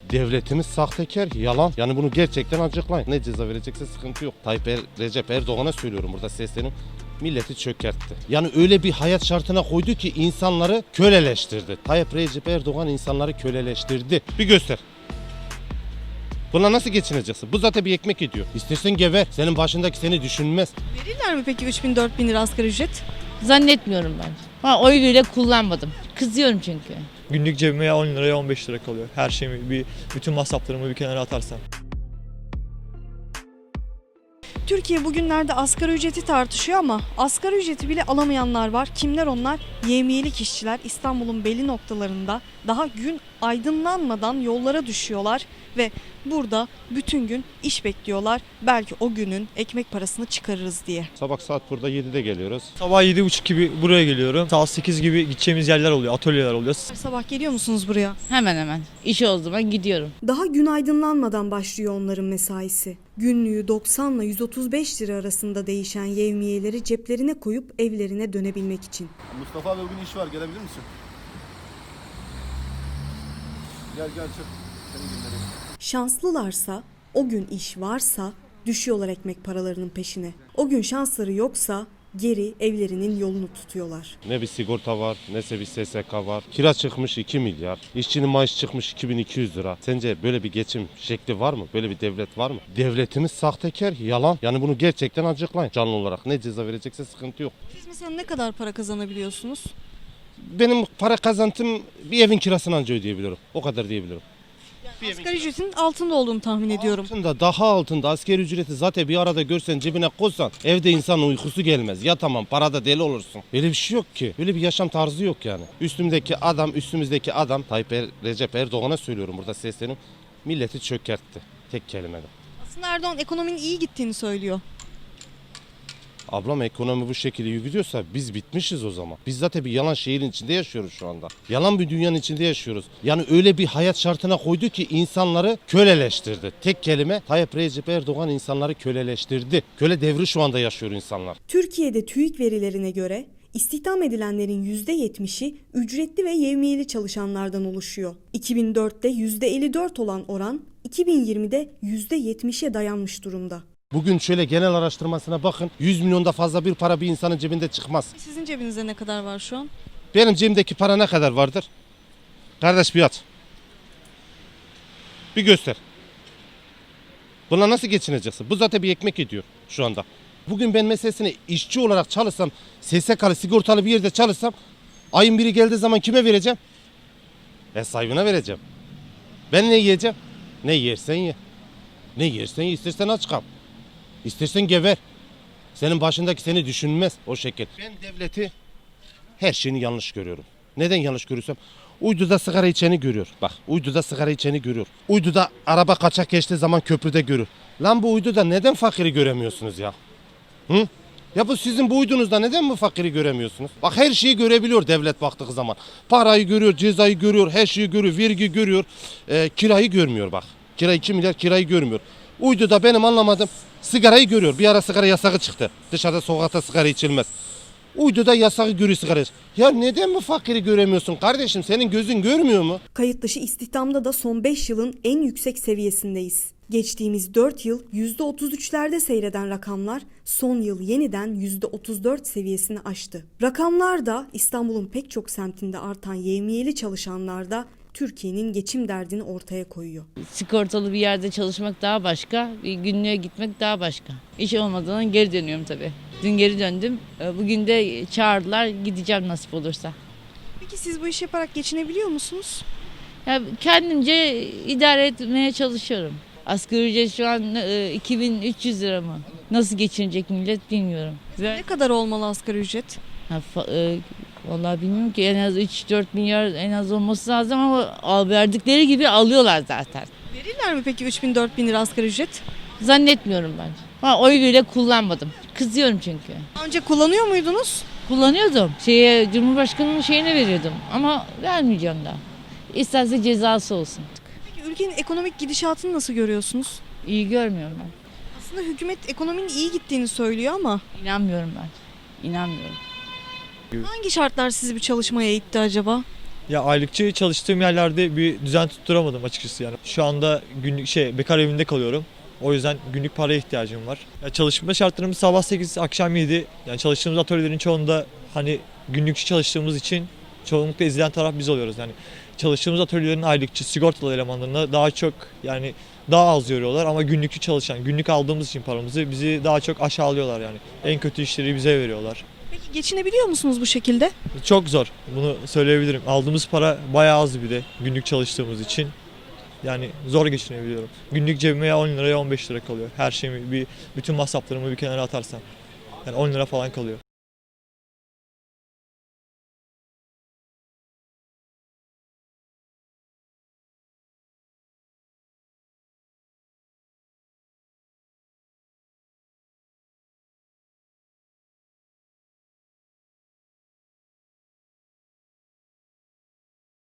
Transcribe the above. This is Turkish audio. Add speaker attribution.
Speaker 1: Devletimiz sahtekar, yalan. Yani bunu gerçekten açıklayın. Ne ceza verecekse sıkıntı yok. Recep Erdoğan'a söylüyorum burada seslenim. Milleti çökertti. Yani öyle bir hayat şartına koydu ki insanları köleleştirdi. Recep Erdoğan insanları köleleştirdi. Bir göster. Buna nasıl geçineceksin? Bu zaten bir ekmek ediyor. İstersen gever. Senin başındaki seni düşünmez.
Speaker 2: Verirler mi peki 3.000-4.000 lira asgari ücret?
Speaker 3: Zannetmiyorum ben. Oy bile kullanmadım. Kızıyorum çünkü.
Speaker 4: Günlük cebime ya 10 liraya 15 lira kalıyor. Her şeyimi, bütün masraflarımı bir kenara atarsam.
Speaker 2: Türkiye bugünlerde asgari ücreti tartışıyor ama asgari ücreti bile alamayanlar var. Kimler onlar? Yevmiyelik işçiler İstanbul'un belli noktalarında daha gün aydınlanmadan yollara düşüyorlar ve burada bütün gün iş bekliyorlar. Belki o günün ekmek parasını çıkarırız diye.
Speaker 1: Sabah saat burada 7'de geliyoruz.
Speaker 4: Sabah 7.30 gibi buraya geliyorum. Saat 8 gibi gideceğimiz yerler oluyor, atölyeler oluyor.
Speaker 2: Sabah geliyor musunuz buraya?
Speaker 3: Hemen hemen. İş olduğu zaman gidiyorum.
Speaker 2: Daha gün aydınlanmadan başlıyor onların mesaisi. Günlüğü 90 ile 135 lira arasında değişen yevmiyeleri ceplerine koyup evlerine dönebilmek için.
Speaker 5: Mustafa abi bugün iş var, gelebilir misin? Gel çık. Seni göndereyim.
Speaker 2: Şanslılarsa, o gün iş varsa düşüyorlar ekmek paralarının peşine. O gün şansları yoksa geri evlerinin yolunu tutuyorlar.
Speaker 1: Ne bir sigorta var, neyse bir SSK var. Kira çıkmış 2 milyar. İşçinin maaşı çıkmış 2200 lira. Sence böyle bir geçim şekli var mı? Böyle bir devlet var mı? Devletimiz sahtekar, yalan. Yani bunu gerçekten açıklayın canlı olarak. Ne ceza verecekse sıkıntı yok.
Speaker 2: Siz mesela ne kadar para kazanabiliyorsunuz?
Speaker 1: Benim para kazantım bir evin kirasını anca ödeyebiliyorum. O kadar diyebilirim.
Speaker 2: Asgari ücretin altında olduğunu tahmin ediyorum.
Speaker 1: Altında, daha altında asgari ücreti zaten bir arada görsen cebine koysan evde insanın uykusu gelmez. Ya tamam parada deli olursun. Öyle bir şey yok ki. Öyle bir yaşam tarzı yok yani. Üstümüzdeki adam Recep Erdoğan'a söylüyorum burada seslenim. Milleti çökertti. Tek kelimede.
Speaker 2: Aslında Erdoğan ekonominin iyi gittiğini söylüyor.
Speaker 1: Ablam ekonomi bu şekilde gidiyorsa biz bitmişiz o zaman. Biz zaten bir yalan şehrin içinde yaşıyoruz şu anda. Yalan bir dünyanın içinde yaşıyoruz. Yani öyle bir hayat şartına koydu ki insanları köleleştirdi. Tek kelime Recep Erdoğan insanları köleleştirdi. Köle devri şu anda yaşıyor insanlar.
Speaker 2: Türkiye'de TÜİK verilerine göre istihdam edilenlerin %70'i ücretli ve yevmiyeli çalışanlardan oluşuyor. 2004'te %54 olan oran 2020'de %70'e dayanmış durumda.
Speaker 1: Bugün şöyle genel araştırmasına bakın. 100 milyonda fazla bir para bir insanın cebinde çıkmaz.
Speaker 2: Sizin cebinizde ne kadar var şu an?
Speaker 1: Benim cebimdeki para ne kadar vardır? Kardeş bir at. Bir göster. Buna nasıl geçineceksin? Bu zaten bir ekmek ediyor şu anda. Bugün ben meselesine işçi olarak çalışsam, SSK'lı sigortalı bir yerde çalışsam, ayın biri geldiği zaman kime vereceğim? Sahibine vereceğim. Ben ne yiyeceğim? Ne yersen ye. Ne yersen ye. İstersen aç kal. İstersen gever. Senin başındaki seni düşünmez o şekil. Ben devleti her şeyini yanlış görüyorum. Neden yanlış görüyorsam? Uyduda sigara içeni görüyor. Bak uyduda sigara içeni görüyor. Uyduda araba kaçak geçtiği zaman köprüde görür. Lan bu uyduda neden fakiri göremiyorsunuz ya? Hı? Ya bu sizin bu uydunuzda neden bu fakiri göremiyorsunuz? Bak her şeyi görebiliyor devlet baktığı zaman. Parayı görüyor, cezayı görüyor, her şeyi görüyor, vergi görüyor. Kirayı görmüyor bak. Kira 2 milyar kirayı görmüyor. Uyduda benim anlamadım. Sigarayı görüyor. Bir ara sigara yasağı çıktı. Dışarıda sokakta sigara içilmez. Uyduda yasağı görüyor sigara. Ya neden bu fakiri göremiyorsun kardeşim? Senin gözün görmüyor mu?
Speaker 2: Kayıt dışı istihdamda da son 5 yılın en yüksek seviyesindeyiz. Geçtiğimiz 4 yıl %33'lerde seyreden rakamlar son yıl yeniden %34 seviyesini aştı. Rakamlar da İstanbul'un pek çok semtinde artan yevmiyeli çalışanlar da Türkiye'nin geçim derdini ortaya koyuyor.
Speaker 3: Sigortalı bir yerde çalışmak daha başka, bir günlüğe gitmek daha başka. İş olmadığından geri dönüyorum tabii. Dün geri döndüm. Bugün de çağırdılar, gideceğim nasip olursa.
Speaker 2: Peki siz bu işi yaparak geçinebiliyor musunuz?
Speaker 3: Ya kendimce idare etmeye çalışıyorum. Asgari ücret şu an 2300 lira mı? Nasıl geçinecek millet bilmiyorum.
Speaker 2: Ne kadar olmalı asgari ücret?
Speaker 3: Vallahi bilmiyorum ki en az 3-4 milyar en az olması lazım ama verdikleri gibi alıyorlar zaten.
Speaker 2: Verirler mi peki 3.000-4.000 lira asgari ücret?
Speaker 3: Zannetmiyorum ben. Oy bile kullanmadım. Kızıyorum çünkü.
Speaker 2: Daha önce kullanıyor muydunuz?
Speaker 3: Kullanıyordum. Cumhurbaşkanının şeyine veriyordum ama vermeyeceğim daha. İsterse cezası olsun.
Speaker 2: Peki ülkenin ekonomik gidişatını nasıl görüyorsunuz?
Speaker 3: İyi görmüyorum ben.
Speaker 2: Aslında hükümet ekonominin iyi gittiğini söylüyor ama
Speaker 3: İnanmıyorum ben. İnanmıyorum.
Speaker 2: hangi şartlar sizi bir çalışmaya itti acaba?
Speaker 4: Ya aylıkçı çalıştığım yerlerde bir düzen tutturamadım açıkçası yani. Şu anda günlük bekar evinde kalıyorum. O yüzden günlük paraya ihtiyacım var. Ya çalışma şartlarımız sabah 8 akşam 7. Yani çalıştığımız atölyelerin çoğunda hani günlükçü çalıştığımız için çoğunlukla ezilen taraf biz oluyoruz. Yani çalıştığımız atölyelerin aylıkçı sigortalı elemanlarına daha çok yani daha az yoruyorlar ama günlükçü çalışan, günlük aldığımız için paramızı bizi daha çok aşağılıyorlar yani. En kötü işleri bize veriyorlar.
Speaker 2: Peki geçinebiliyor musunuz bu şekilde?
Speaker 4: Çok zor. Bunu söyleyebilirim. Aldığımız para bayağı az bir de günlük çalıştığımız için. Yani zor geçinebiliyorum. Günlük cebime ya 10 lira ya 15 lira kalıyor. Her şeyimi bütün masraflarımı bir kenara atarsam. Yani 10 lira falan kalıyor.